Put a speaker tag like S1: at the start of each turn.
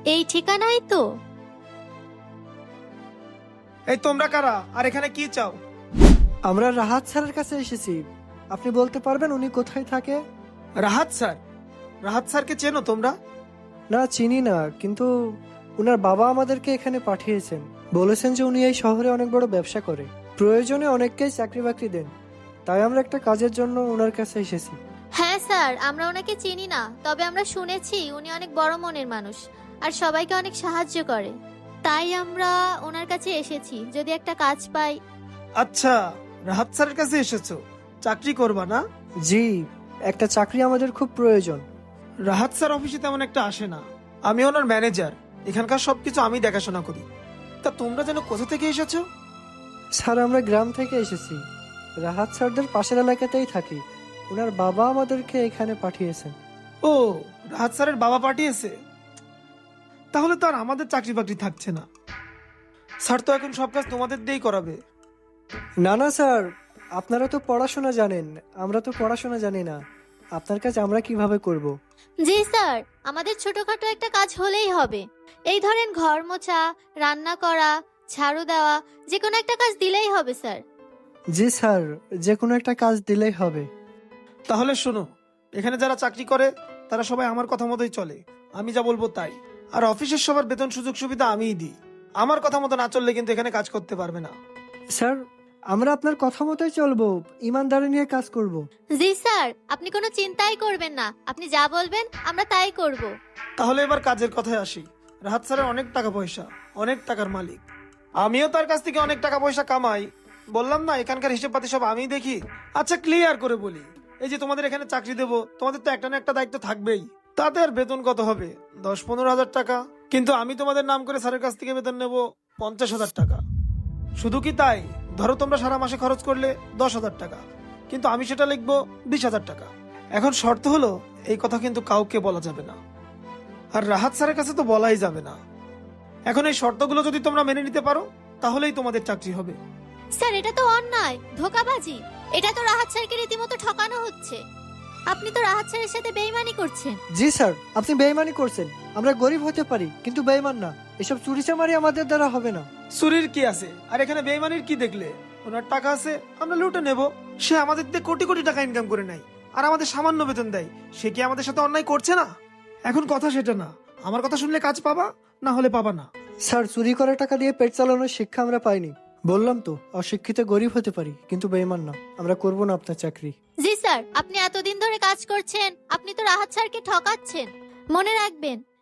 S1: এই ঠিকানাই তো।
S2: এই তোমরা কারা আর এখানে কি চাও?
S3: আমরা রাহাত স্যারের কাছে এসেছি। আপনি বলতে পারবেন উনি কোথায় থাকে?
S2: রাহাত স্যার? রাহাত স্যারকে চেনো তোমরা?
S3: না, চিনি না, কিন্তু উনার বাবা আমাদেরকে এখানে পাঠিয়েছেন। বলেছেন যে উনি এই শহরে অনেক বড় ব্যবসা করে, প্রয়োজনে অনেককেই চাকরি বাকরি দেন। তাই আমরা একটা কাজের জন্য ওনার কাছে এসেছি।
S1: হ্যাঁ স্যার, আমরা ওনাকে চিনি না, তবে আমরা শুনেছি উনি অনেক বড় মনের মানুষ আর সবাইকে অনেক সাহায্য করে। তাই আমরা ওনার কাছে এসেছি, যদি একটা কাজ পাই।
S2: আচ্ছা, রাহাত স্যারের কাছে এসেছো, চাকরি করবা না?
S3: জি, একটা চাকরি আমাদের খুব প্রয়োজন।
S2: রাহাত স্যার অফিসে তেমন একটা আসে না, আমি ওনার ম্যানেজার, এখানকার সবকিছু আমি দেখাশোনা করি। তা তোমরা যেন কোথা থেকে এসেছো?
S3: স্যার, আমরা গ্রাম থেকে এসেছি, রাহাত স্যারদের পাশের এলাকাতেই থাকি। ওনার বাবা আমাদেরকে এখানে পাঠিয়েছেন।
S2: ও, রাহাত স্যারের বাবা পাঠিয়েছে? তাহলে তো আর আমাদের চাকরি বাকরি থাকছে না। স্যার তো এখন সব কাজ তোমাদের দিয়েই করাবে।
S3: না না স্যার, আপনারা তো পড়াশোনা জানেন, আমরা তো পড়াশোনা জানি না। আপনার কাজ আমরা কিভাবে করব?
S1: জি স্যার, আমাদের ছোটখাটো একটা কাজ হলেই হবে। এই ধরেন ঘর মোছা, রান্না করা, ঝাড়ু দেওয়া, যে কোনো একটা কাজ দিলেই হবে স্যার।
S3: জি স্যার, যে কোনো একটা কাজ দিলেই হবে।
S2: তাহলে শোনো, এখানে যারা চাকরি করে তারা সবাই আমার কথা মতোই চলে, আমি যা বলবো তাই। আর অফিসের সবার বেতন সুযোগ সুবিধা আমিই দিই। আমার কথা মতো না চললে কিন্তু এখানে কাজ করতে পারবে না।
S3: স্যার, আমরা আপনার কথা মতোই চলবো, ইমানদারি নিয়ে কাজ করব।
S1: জি স্যার, আপনি কোনো চিন্তাই করবেন না, আপনি যা বলবেন আমরা তাই করব।
S2: তাহলে এবার কাজের কথায় আসি। রাহাত স্যারের অনেক টাকা পয়সা, অনেক টাকার মালিক। আমিও তার কাছ থেকে অনেক টাকা পয়সা কামাই। বললাম না, এখানকার হিসেব পাতি সব আমিই দেখি। আচ্ছা, ক্লিয়ার করে বলি, এই যে তোমাদের এখানে চাকরি দেবো, তোমাদের তো একটা না একটা দায়িত্ব থাকবেই। তাদের বেতন কত হবে? 10-15 হাজার টাকা। কিন্তু আমি তোমাদের নাম করে স্যারের কাছ থেকে বেতন নেব 50,000 টাকা। শুধু কি তাই, ধরো তোমরা সারা মাসে খরচ করলে 10,000 টাকা, কিন্তু আমি সেটা লিখবো 20,000 টাকা। এখন শর্ত হলো, এই কথা কিন্তু কাউকে বলা যাবে না, আর রাহাত স্যারের কাছে তো বলাই যাবে না। এখন এই শর্তগুলো যদি তোমরা মেনে নিতে পারো, তাহলেই তোমাদের চাকরি হবে।
S1: স্যার, এটা তো অন্যায়, ধোঁকাবাজি। এটা তো রাহাত স্যারকে রীতিমতো ঠকানো হচ্ছে। আপনি তো রাহাত স্যারের সাথে বেইমানি করছেন।
S3: জি স্যার, আপনি বেইমানি করছেন। আমরা গরিব হতে পারি, কিন্তু বেইমান না। এসব চুরি চামারি আমাদের দ্বারা হবে না।
S2: চুরির কি আছে, আর এখানে বেইমানির কি দেখলে? ওনার টাকা আছে, আমরা লুটে নেব। সে আমাদের দিয়ে কোটি কোটি টাকা ইনকাম করে নেয়, আর আমাদের সামান্য বেতন দেয়। সে কি আমাদের সাথে অন্যায় করছে না? এখন কথা সেটা না, আমার কথা শুনলে কাজ পাবা, না হলে পাবা না।
S3: স্যার, চুরি করা টাকা দিয়ে পেট চালানোর শিক্ষা আমরা পাইনি। বললাম তো, অশিক্ষিত গরিব হতে পারি, কিন্তু বেইমান না। আমরা করব না আপনার চাকরি।
S1: জি স্যার, আপনি এতদিন ধরে কাজ করছেন, আপনি তো রাহাত স্যারকে ঠকাচ্ছেন। মনে রাখবেন,